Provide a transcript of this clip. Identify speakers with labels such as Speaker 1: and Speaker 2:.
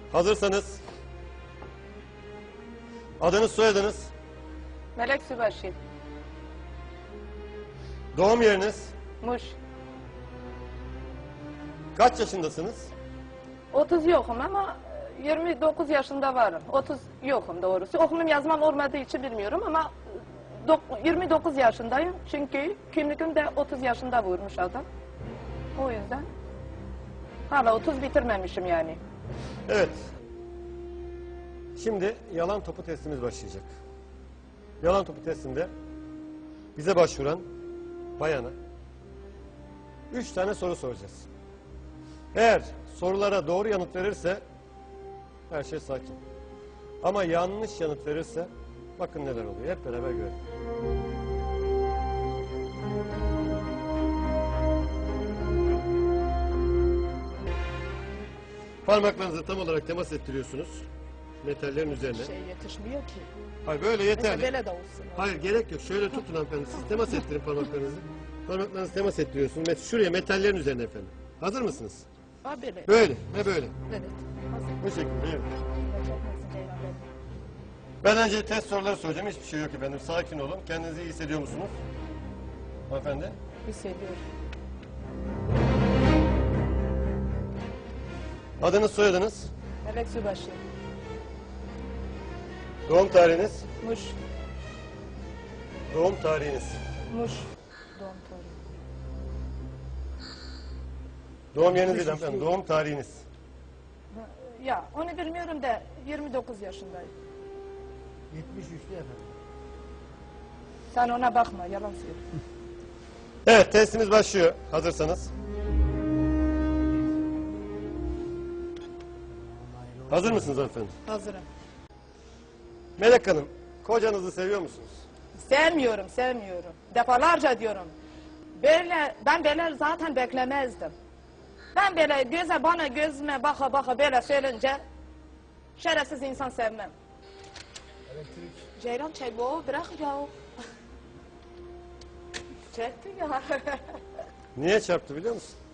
Speaker 1: Hazırsanız adınız, soyadınız,
Speaker 2: Melek Sübaşı.
Speaker 1: doğum yeriniz,
Speaker 2: Muş.
Speaker 1: kaç yaşındasınız?
Speaker 2: 30 yokum ama 29 yaşında varım. 30 yokum doğrusu. Okumum yazmam olmadığı için bilmiyorum ama 29 yaşındayım. Çünkü kimliğimde 30 yaşında vurmuş adam. O yüzden hala 30 bitirmemişim yani.
Speaker 1: Evet. Şimdi yalan topu testimiz başlayacak. Yalan topu testinde bize başvuran bayana 3 tane soru soracağız. Eğer sorulara doğru yanıt verirse her şey sakin. Ama yanlış yanıt verirse bakın neler oluyor. Hep beraber görelim. Parmaklarınızı tam olarak temas ettiriyorsunuz. Metallerin üzerine.
Speaker 3: Şey yetişmiyor ki.
Speaker 1: Hayır böyle
Speaker 3: Mesela
Speaker 1: yeterli.
Speaker 3: böyle de olsun.
Speaker 1: Hayır gerek yok. Şöyle tutun hanımefendi. Siz temas ettirin parmaklarınızı. Parmaklarınızı temas ettiriyorsunuz. Şuraya metallerin üzerine efendim. Hazır mısınız?
Speaker 3: Ha böyle.
Speaker 1: Böyle ve böyle.
Speaker 3: Evet. Hazır.
Speaker 1: Bu şekilde. Evet.
Speaker 3: Çekmesin Ceylan beni.
Speaker 1: Ben önce test soruları soracağım. Hiçbir şey yok efendim. Sakin olun. Kendinizi iyi hissediyor musunuz? Hanımefendi.
Speaker 3: Hissediyorum.
Speaker 1: Adınız, soyadınız,
Speaker 3: Melek Sübaşı.
Speaker 1: doğum tarihiniz,
Speaker 3: Muş.
Speaker 1: doğum tarihiniz,
Speaker 3: Muş. Doğum tarihi.
Speaker 1: doğum yeriniz değil hanımefendi, doğum tarihiniz.
Speaker 3: Ya onu bilmiyorum da 29 yaşındayım.
Speaker 4: 73'lü efendim.
Speaker 3: Sen ona bakma yalan söyle.
Speaker 1: Evet, testimiz başlıyor. Hazırsanız. Hazır mısınız hanımefendi?
Speaker 3: Hazırım.
Speaker 1: Melek Hanım, kocanızı seviyor musunuz?
Speaker 3: Sevmiyorum. Defalarca diyorum. Ben böyle zaten beklemezdim. Ben böyle bana gözüme baka baka böyle söyleyince şerefsiz insan sevmem.
Speaker 4: Elektrik.
Speaker 3: Ceylan çek bu bırak ya. Çekti ya.
Speaker 1: Niye çarptı biliyor musun?